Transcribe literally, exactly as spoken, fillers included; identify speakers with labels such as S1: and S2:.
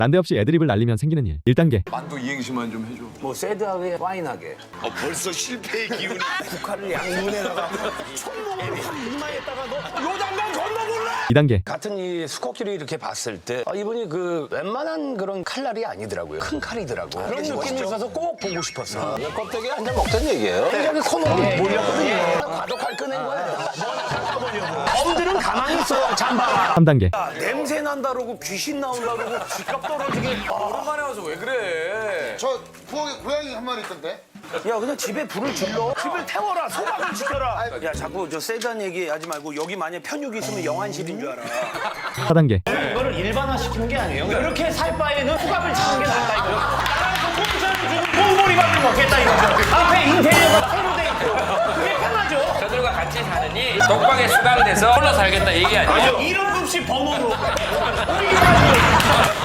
S1: 난데없이 애드립을 날리면 생기는 일. 일 단계.
S2: 만두 이행시만 좀 해줘.
S3: 뭐 새드하게 파인하게
S2: 어, 벌써 실패의 기운이.
S3: 국화를 양눈에다가 총목을 확 이마에다가 너 요단강 건너볼래?
S1: 이 단계.
S3: 같은 이 수컷끼리 이렇게 봤을 때 아, 이분이 그 웬만한 그런 칼날이 아니더라고요. 큰 칼이더라고. 그런 느낌이
S2: 멋있죠?
S3: 있어서 꼭 보고 싶었어. 이 껍데기 한 장 먹던 얘기예요. 굉장히 코너로 몰렸거든요. 과도칼 꺼낸 거예요. 엄들은 가만히 있어. 잠바가.
S1: 삼 단계.
S3: 냄새 난다 그러고 귀신 나온다 그러고 쥐값 떨어지게.
S4: 오랜만에 와서 왜 그래?
S5: 저 부엌에 고양이 한 마리 있던데?
S3: 야 그냥 집에 불을 질러. 집을 태워라. 소박을 지켜라. 야 자꾸 저 세단 얘기하지 말고 여기 만약에 편육이 있으면 영안실인 줄 알아.
S1: 사 단계.
S6: 이거를 일반화시키는 게 아니에요. 이렇게 살 바에는 후갑을 차는 게 낫다 이거요. 따라서 콩차를 주고 콩보리밥을 먹겠다 이거죠. 앞에 인테리어가 새로 돼 있고 그게 편하죠.
S4: 저들과 같이 사느니 독방에 수강돼서 홀로 살겠다 얘기 아니에요?
S6: 이런 급식 범으로 우리 가지고